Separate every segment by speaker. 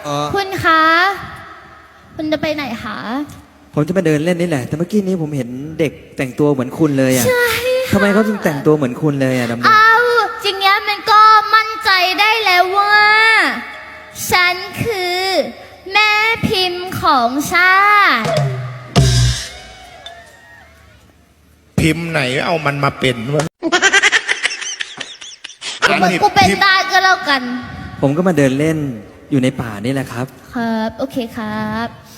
Speaker 1: คุณคะคุณจะไปไหนคะ
Speaker 2: ผมจะมาเดินเล่นนี่แหละแต่เมื่อกี้นี้ผมเห็นเด็กแต่งตัวเหมือนคุณเลยอ่ะ
Speaker 1: ใช่
Speaker 2: ทำไมเขาถึงแต่งตัวเหมือนคุณเลยอ่ะดำดง
Speaker 1: เอาจริงๆมันก็มั่นใจได้แล้วว่า ฉันคือแม่พิมพ์ของชาติ
Speaker 3: พิมพ์ไหนเอามันมาเป็นวะ
Speaker 1: กูเป็นได้ก็แล้วกัน
Speaker 2: ผมก็มาเดินเล่นอยู่ในป่านี่แหละครับ
Speaker 1: ครับ โอเคครับ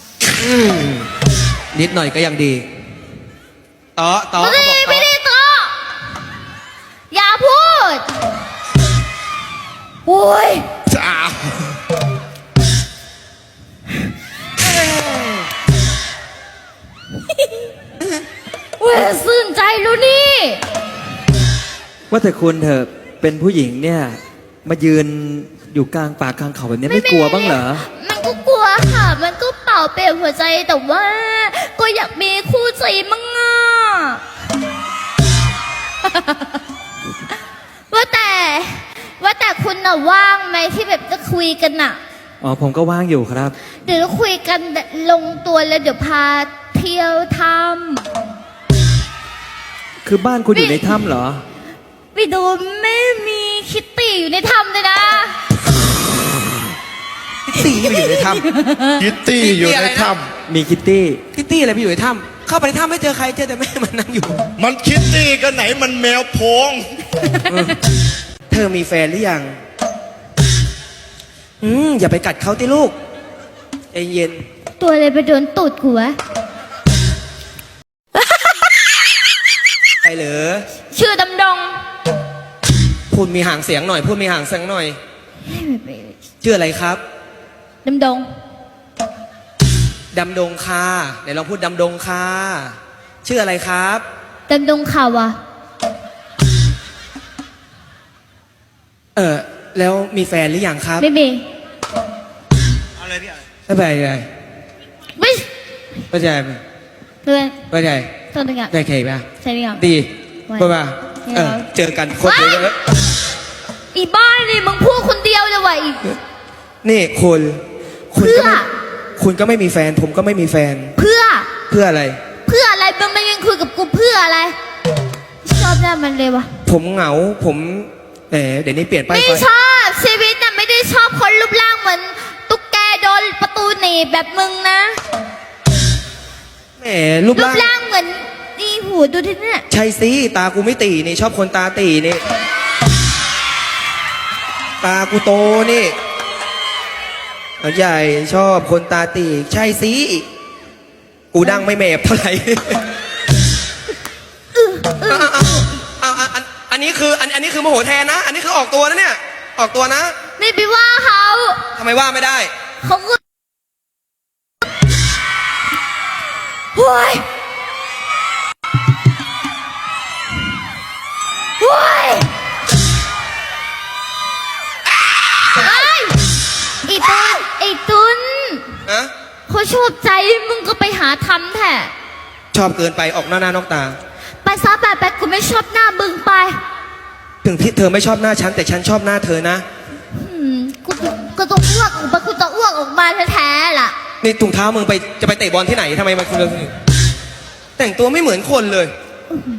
Speaker 4: นิดหน่อยก็ยังดีต่อ
Speaker 1: ไม่ได้
Speaker 4: เขาบอก
Speaker 1: ไม่ได้ต่ออย่าพูดโอ้ย
Speaker 3: อ้าว
Speaker 1: เว้ยสื่นใจรู้นี่
Speaker 2: ว่าแต่คุณเถอะเป็นผู้หญิงเนี่ยมายืนอยู่กลางป่ากลางเขาแบบนี้ไม่กลัวบ้างเหรอ
Speaker 1: มันก็กลัวค่ะ มันก็เป่าเปลี่ยวหัวใจแต่ว่า ก็อยากมีคู่ใจมั่งอ่ะ ว่าแต่คุณน่ะว่างไหมที่แบบจะคุยกันน่ะ
Speaker 2: อ๋อผมก็ว่างอยู่ครับ
Speaker 1: เดี๋ยวเราคุยกันลงตัวแล้วเดี๋ยวพาเที่ยวท
Speaker 2: คือบ้านคุณอยู่ในถ้ำเหรอ
Speaker 1: ำไปดูไม่มีคิตตี้อยู่ในถ้ำเลยนะ
Speaker 4: ตีไปอยู่ในถ้
Speaker 3: คิตตี้อยู่ในถ้
Speaker 2: มีคิตตี้
Speaker 4: ำคิตตี้อะไรไปอยู่ในถ้ำเข้าไปในถ้ำไม่เจอใครเจอแต่แม่มันนั่งอยู่
Speaker 3: ำมันคิตตี้กันไหนมันแมวโพง
Speaker 4: เธอมีแฟนหรือยังอย่าไปกัดเขาติลูกใจเย็น
Speaker 1: ตัวอะไรไปโดนตูดกูวะ
Speaker 4: ไปเหรอ
Speaker 1: ชื่อดำดง
Speaker 4: พูดมีห่างเสียงหน่อยพูดมีห่างเสียงหน่อยชื่ออะไรครับ
Speaker 1: ดำดง
Speaker 4: ดำดงคาไหนลองพูดดำดงคาชื่ออะไรครับ
Speaker 1: ดำดงข่าวอะ
Speaker 4: แล้วมีแฟนหรือยังครับ
Speaker 1: ไม่มี
Speaker 4: ไม่เป็นไร
Speaker 1: ไม่
Speaker 4: ไม่ใช่
Speaker 1: เพื่อน
Speaker 4: ไม่ใช่
Speaker 1: ต้นตะกะ
Speaker 4: ได้เคป่ะ
Speaker 1: ใช่ไหมครับ
Speaker 4: ดี
Speaker 1: ไม่
Speaker 4: ป่ะป่ะ
Speaker 1: ไม่เอา
Speaker 4: เจอกันคนเดียวเลย
Speaker 1: อีบ้านนี่มึงพูดคนเดียวเลยว่ะอีก
Speaker 4: นี่คุณก็
Speaker 1: เพื่อ
Speaker 4: ไม่คุณก็ไม่มีแฟน ผมก็ไม่มีแฟน
Speaker 1: เพื่อ
Speaker 4: เพื่ออะไร
Speaker 1: เพื่ออะไรมึงมายืนคุยกับกูเพื่ออะไร ชอบหน้ามันเลยวะ
Speaker 4: ผมเหงา ผมเดี๋ยวนี้เปลี่ยนไป
Speaker 1: ไม่ชอบชีวิตน่ะไม่ได้ชอบคนรูปร่างเหมือนตุ๊กแกโดนประตูหนีบแบบมึงนะ
Speaker 4: แหมรูป
Speaker 1: รูป
Speaker 4: ร่าง
Speaker 1: ร่างเหมือนนี่หูดูที่เนี่ย
Speaker 4: ใช่สิตากูไม่ตีนี่ชอบคนตาตีนี่ ตากูโตนี่ใหญ่ชอบคนตาตีใช่สิกูดังไม่แมบเท่าไหร่ อันนี้คือโมโหแทนนะ อันนี้คือออกตัวนะเนี่ย ออกตัวนะ
Speaker 1: ไม่ไปว่าเขา
Speaker 4: ทำไมว่าไม่ได้
Speaker 1: เขาก็โว้ยโว้ยไอ้ตุน
Speaker 4: ฮะ
Speaker 1: เขาชอบใจมึงก็ไปหาทำแท้
Speaker 4: ชอบเกินไปออกหน้านอกตา
Speaker 1: ไปซะไปกูไม่ชอบหน้ามึงไป
Speaker 4: ถึงที่เธอไม่ชอบหน้าฉันแต่ฉันชอบหน้าเธอนะ
Speaker 1: กูต้องอ้วกออกมากูต้องอ้วกออกมาแท้ๆล่ะ
Speaker 4: นี่ถุงเท้ามึงจะไปเตะบอลที่ไหนทำไมมันคุณแต่งตัวไม่เหมือนคนเลย
Speaker 1: อื้อหือ